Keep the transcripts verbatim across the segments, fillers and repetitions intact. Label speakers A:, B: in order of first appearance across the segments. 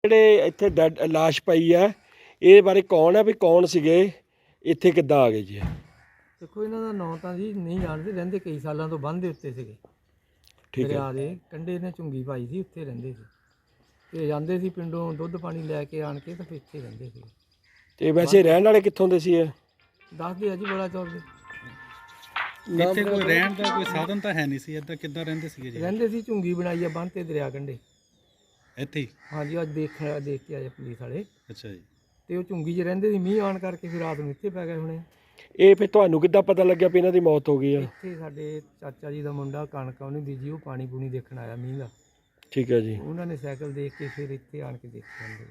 A: ਜਿਹੜੇ ਇੱਥੇ ਡੈਡ ਲਾਸ਼ ਪਈ ਆ ਇਹ ਬਾਰੇ ਕੌਣ ਆ ਵੀ ਕੌਣ ਸੀਗੇ ਇੱਥੇ ਕਿੱਦਾਂ ਆ ਗਏ ਜੀ?
B: ਦੇਖੋ ਇਹਨਾਂ ਦਾ ਨਾਂ ਤਾਂ ਜੀ ਨਹੀਂ ਜਾਣਦੇ, ਰਹਿੰਦੇ ਕਈ ਸਾਲਾਂ ਤੋਂ ਬੰਨ੍ਹ ਦੇ ਉੱਤੇ ਸੀਗੇ।
A: ਠੀਕ ਹੈ,
B: ਦਰਿਆ ਦੇ ਕੰਢੇ ਨੇ ਝੁੰਗੀ ਪਾਈ ਸੀ, ਉੱਥੇ ਰਹਿੰਦੇ ਸੀ ਤੇ ਜਾਂਦੇ ਸੀ ਪਿੰਡੋਂ ਦੁੱਧ ਪਾਣੀ ਲੈ ਕੇ ਆਣ ਕੇ ਤੇ ਫਿਰ ਇੱਥੇ ਰਹਿੰਦੇ ਸੀ।
A: ਤੇ ਵੈਸੇ ਰਹਿਣ ਵਾਲੇ ਕਿੱਥੋਂ ਦੇ ਸੀ ਇਹ?
B: ਦੱਸਦੇ ਆ ਜੀ ਬੜਾ ਚੌਰ ਦੇ।
C: ਇੱਥੇ ਕੋਈ ਰਹਿਣ ਦਾ ਕੋਈ ਸਾਧਨ ਤਾਂ ਹੈ ਨਹੀਂ ਸੀ, ਇੱਦਾਂ ਕਿੱਦਾਂ ਰਹਿੰਦੇ ਸੀਗੇ ਜੀ?
B: ਰਹਿੰਦੇ ਸੀ, ਝੁੰਗੀ ਬਣਾਈ ਆ ਬੰਨ੍ਹ ਤੇ ਦਰਿਆ ਕੰਢੇ।
C: ਇੱਥੇ ਹੀ?
B: ਹਾਂਜੀ, ਅੱਜ ਦੇਖ ਦੇਖ ਕੇ ਆਏ ਪੁਲਿਸ ਵਾਲੇ।
C: ਅੱਛਾ ਜੀ।
B: ਤੇ ਉਹ ਝੁੰਗੀ 'ਚ ਰਹਿੰਦੇ ਸੀ, ਮੀਂਹ ਆਉਣ ਕਰਕੇ ਫਿਰ ਰਾਤ ਨੂੰ ਇੱਥੇ ਪੈ ਗਏ ਹੁਣੇ।
A: ਇਹ ਫਿਰ ਤੁਹਾਨੂੰ ਕਿੱਦਾਂ ਪਤਾ ਲੱਗਿਆ ਵੀ ਇਹਨਾਂ ਦੀ ਮੌਤ ਹੋ ਗਈ ਆ?
B: ਇੱਥੇ ਸਾਡੇ ਚਾਚਾ ਜੀ ਦਾ ਮੁੰਡਾ ਕਣਕ ਉਹਨੇ ਬੀਜੀ, ਉਹ ਪਾਣੀ ਪੂਣੀ ਦੇਖਣ ਆਇਆ ਮੀਂਹ ਦਾ।
A: ਠੀਕ ਹੈ ਜੀ।
B: ਉਹਨਾਂ ਨੇ ਸਾਈਕਲ ਦੇਖ ਕੇ ਫਿਰ ਇੱਥੇ ਆਣ ਕੇ ਦੇਖਿਆ ਜਾਂਦੇ।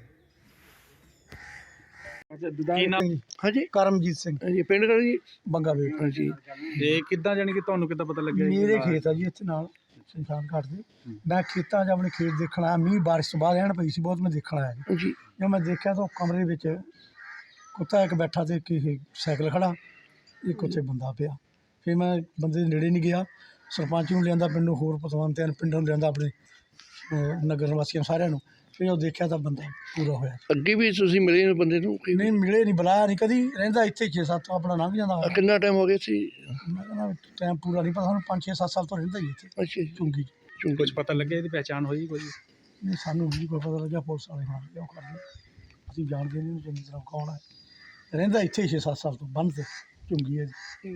C: ਕੀ ਨਾਮ?
D: ਹਾਂਜੀ, ਕਰਮਜੀਤ ਸਿੰਘ।
B: ਹਾਂਜੀ, ਪਿੰਡ ਦਾ ਜੀ
D: ਬੰਗਾ ਵੇਟ।
B: ਹਾਂਜੀ।
C: ਤੇ ਕਿੱਦਾਂ ਜਾਣੀ ਕਿ ਤੁਹਾਨੂੰ ਕਿੱਦਾਂ ਪਤਾ ਲੱਗਿਆ?
D: ਮੇਰੇ ਖੇਤ ਆ ਜੀ ਇੱਥੇ ਨਾਲ ਸ਼ਮਸ਼ਾਨ ਘਾਟ ਦੇ। ਮੈਂ ਖੇਤਾਂ 'ਚ ਆਪਣੇ ਖੇਤ ਦੇਖਣ ਆਇਆ, ਮੀਂਹ ਬਾਰਿਸ਼ ਤੋਂ ਬਾਅਦ ਰਹਿਣ ਪਈ ਸੀ ਬਹੁਤ, ਮੈਂ ਦੇਖਣ ਆਇਆ ਜੀ।
B: ਜੀ
D: ਜਦੋਂ ਮੈਂ ਦੇਖਿਆ ਤਾਂ ਉਹ ਕਮਰੇ ਵਿੱਚ ਕੁੱਤਾ ਇੱਕ ਬੈਠਾ ਤੇ ਇੱਕ ਇਹ ਸਾਈਕਲ ਖੜਾ, ਇੱਕ ਉੱਥੇ ਬੰਦਾ ਪਿਆ। ਫਿਰ ਮੈਂ ਬੰਦੇ ਦੇ ਨੇੜੇ ਨਹੀਂ ਗਿਆ, ਸਰਪੰਚ ਨੂੰ ਲਿਆਂਦਾ, ਪਿੰਡੋਂ ਹੋਰ ਪਤਵੰਤਿਆਂ ਨੂੰ ਪਿੰਡੋਂ ਲਿਆਂਦਾ, ਆਪਣੇ ਅਹ ਨਗਰ ਨਿਵਾਸੀਆਂ ਸਾਰਿਆਂ ਨੂੰ। ਫਿਰ ਉਹ ਦੇਖਿਆ ਤਾਂ ਬੰਦਾ ਪੂਰਾ ਹੋਇਆ।
B: ਅੱਗੇ ਵੀ ਤੁਸੀਂ ਮਿਲੇ ਨੇ ਬੰਦੇ ਨੂੰ?
D: ਨਹੀਂ ਮਿਲੇ, ਨਹੀਂ ਬੁਲਾਇਆ ਨਹੀਂ ਕਦੀ, ਰਹਿੰਦਾ ਇੱਥੇ ਛੇ ਸੱਤ ਆਪਣਾ ਲੰਘ ਜਾਂਦਾ।
B: ਕਿੰਨਾ ਟਾਈਮ ਹੋ ਗਿਆ ਸੀ?
D: ਮੈਂ ਕਹਿੰਦਾ ਟਾਈਮ ਪੂਰਾ ਨਹੀਂ ਪਤਾ, ਸਾਨੂੰ ਪੰਜ ਛੇ ਸੱਤ ਸਾਲ ਤੋਂ ਰਹਿੰਦਾ ਹੀ ਇੱਥੇ
B: ਅੱਛਾ
D: ਝੁੰਗੀ 'ਚ।
C: ਕੁਝ ਪਤਾ ਲੱਗਿਆ ਇਹਦੀ ਪਹਿਚਾਣ ਹੋਈ ਕੋਈ?
D: ਨਹੀਂ, ਸਾਨੂੰ ਨਹੀਂ ਕੋਈ ਪਤਾ ਲੱਗਿਆ, ਪੁਲਿਸ ਵਾਲੇ ਹਾਂ ਕਿਉਂ ਕਰਦੇ, ਅਸੀਂ ਜਾਣਦੇ ਨਹੀਂ ਚੰਗੀ ਤਰ੍ਹਾਂ ਕੌਣ ਹੈ। ਰਹਿੰਦਾ ਇੱਥੇ ਛੇ ਸੱਤ ਸਾਲ ਤੋਂ ਬੰਨ੍ਹ ਤੇ ਝੁੰਗੀ ਹੈ ਜੀ।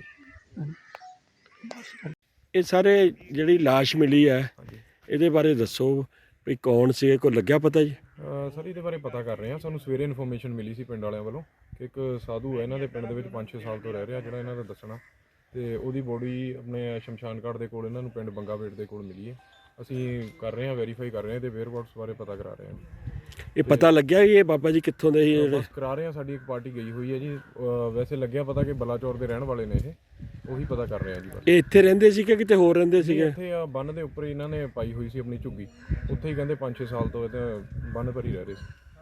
A: ਇਹ ਸਾਰੇ ਜਿਹੜੀ ਲਾਸ਼ ਮਿਲੀ ਹੈ ਇਹਦੇ ਬਾਰੇ ਦੱਸੋ ਵੀ ਕੌਣ ਸੀ, ਕੋਈ ਲੱਗਿਆ ਪਤਾ ਜੀ?
E: ਸਰ ਇਹਦੇ ਬਾਰੇ ਪਤਾ ਕਰ ਰਹੇ ਹਾਂ। ਸਾਨੂੰ ਸਵੇਰੇ ਇਨਫੋਰਮੇਸ਼ਨ ਮਿਲੀ ਸੀ ਪਿੰਡ ਵਾਲਿਆਂ ਵੱਲੋਂ ਕਿ ਇੱਕ ਸਾਧੂ ਹੈ ਇਹਨਾਂ ਦੇ ਪਿੰਡ ਦੇ ਵਿੱਚ ਪੰਜ ਛੇ ਸਾਲ ਤੋਂ ਰਹਿ ਰਿਹਾ, ਜਿਹੜਾ ਇਹਨਾਂ ਦਾ ਦੱਸਣਾ, ਤੇ ਉਹਦੀ ਬੋਡੀ ਆਪਣੇ ਸ਼ਮਸ਼ਾਨ ਘਾਟ ਦੇ ਕੋਲ ਇਹਨਾਂ ਨੂੰ ਪਿੰਡ ਬੰਗਾ ਵੇਟ ਦੇ ਕੋਲ ਮਿਲੀ ਹੈ। ਅਸੀਂ ਕਰ ਰਹੇ ਹਾਂ, ਵੈਰੀਫਾਈ ਕਰ ਰਹੇ ਹਾਂ, ਤੇ ਵੇਅਰਬਾਟਸ ਬਾਰੇ ਪਤਾ ਕਰਾ ਰਹੇ ਹਾਂ।
A: ਇਹ ਪਤਾ ਲੱਗਿਆ ਵੀ ਇਹ ਬਾਬਾ ਜੀ ਕਿੱਥੋਂ ਦੇ ਸੀ ਜਿਹੜੇ?
E: ਬਸ ਕਰਾ ਰਹੇ ਹਾਂ, ਸਾਡੀ ਇੱਕ ਪਾਰਟੀ ਗਈ ਹੋਈ ਹੈ ਜੀ। ਵੈਸੇ ਲੱਗਿਆ ਪਤਾ ਕਿ ਬਲਾਚੌਰ ਦੇ ਰਹਿਣ ਵਾਲੇ ਨੇ, ਇਹ ਉਹੀ ਪਤਾ ਕਰ ਰਹੇ ਹਾਂ ਜੀ। ਬਸ
A: ਇਹ ਇੱਥੇ ਰਹਿੰਦੇ ਸੀ ਕਿ ਕਿਤੇ ਹੋਰ ਰਹਿੰਦੇ ਸੀਗੇ?
E: ਇੱਥੇ ਆ ਬੰਨ ਦੇ ਉੱਪਰ ਇਹਨਾਂ ਨੇ ਪਾਈ ਹੋਈ ਸੀ ਆਪਣੀ ਝੁੱਗੀ, ਉੱਥੇ ਹੀ ਕਹਿੰਦੇ ਪੰਜ ਛੇ ਸਾਲ ਤੋਂ ਇਹ ਤਾਂ ਬੰਨ ਪਰ ਹੀ ਰਹਿ ਰਹੇ ਸੀ।